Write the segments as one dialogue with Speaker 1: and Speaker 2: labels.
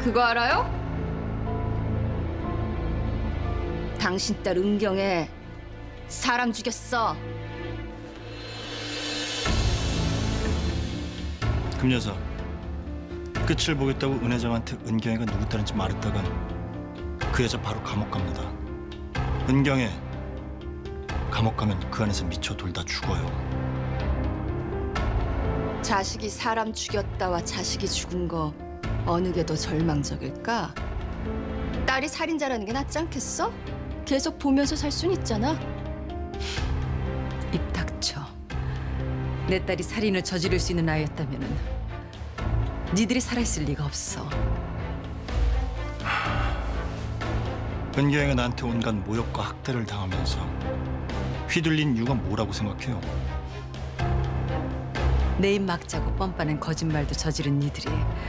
Speaker 1: 그거 알아요? 당신 딸 은경애 사람 죽였어.
Speaker 2: 금여사, 끝을 보겠다고 은 회장한테 은경애가 누구 딸인지 말했다간 그 여자 바로 감옥 갑니다. 은경애 감옥 가면 그 안에서 미쳐 돌다 죽어요.
Speaker 1: 자식이 사람 죽였다와 자식이 죽은 거 어느 게 더 절망적일까? 딸이 살인자라는 게 낫지 않겠어? 계속 보면서 살 순 있잖아.
Speaker 3: 입 닥쳐. 내 딸이 살인을 저지를 수 있는 아이였다면은 니들이 살아있을 리가 없어.
Speaker 2: 은경애가 나한테 온갖 모욕과 학대를 당하면서 휘둘린 이유가 뭐라고 생각해요?
Speaker 3: 내 입 막자고 뻔뻔한 거짓말도 저지른 니들이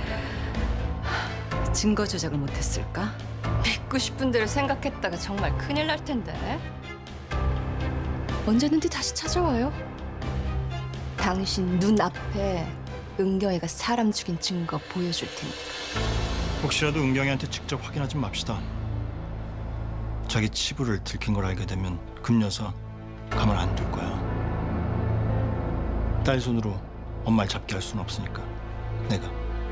Speaker 3: 증거 조작을 못했을까?
Speaker 1: 믿고 싶은 대로 생각했다가 정말 큰일 날 텐데. 언제든지 다시 찾아와요. 당신 눈앞에 은경애가 사람 죽인 증거 보여줄 테니까.
Speaker 2: 혹시라도 은경애한테 직접 확인하지 맙시다. 자기 치부를 들킨 걸 알게 되면 금여사 가만 안 둘 거야. 딸 손으로 엄마를 잡게 할 수는 없으니까 내가.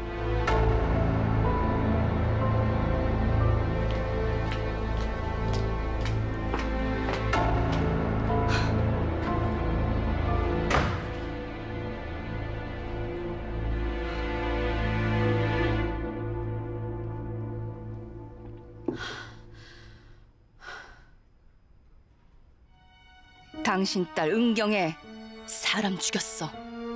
Speaker 1: 당신 딸 은경애 사람 죽였어.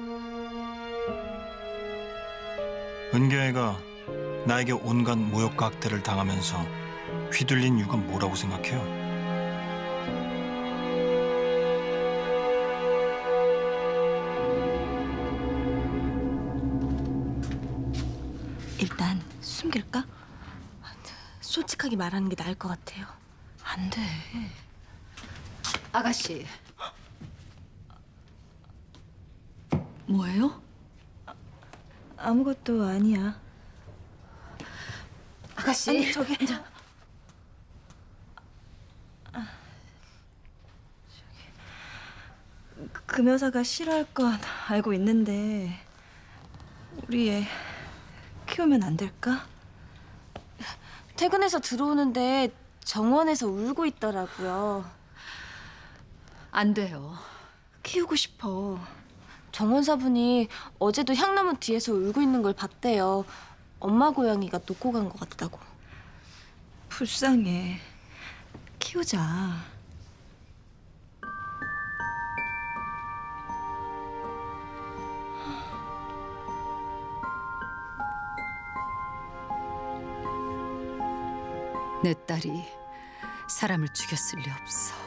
Speaker 2: 은경애가 나에게 온갖 모욕과 학대를 당하면서 휘둘린 이유가 뭐라고 생각해요?
Speaker 4: 일단 숨길까? 솔직하게 말하는 게 나을 것 같아요.
Speaker 3: 안 돼.
Speaker 1: 아가씨.
Speaker 3: 뭐예요?
Speaker 4: 아무것도 아니야.
Speaker 1: 아가씨.
Speaker 4: 아니, 저기. 금여사가 싫어할 건 알고 있는데 우리 애 키우면 안 될까? 퇴근해서 들어오는데 정원에서 울고 있더라고요.
Speaker 3: 안 돼요.
Speaker 4: 키우고 싶어. 정원사분이 어제도 향나무 뒤에서 울고 있는 걸 봤대요. 엄마 고양이가 놓고 간 것 같다고. 불쌍해. 키우자.
Speaker 3: 내 딸이 사람을 죽였을 리 없어.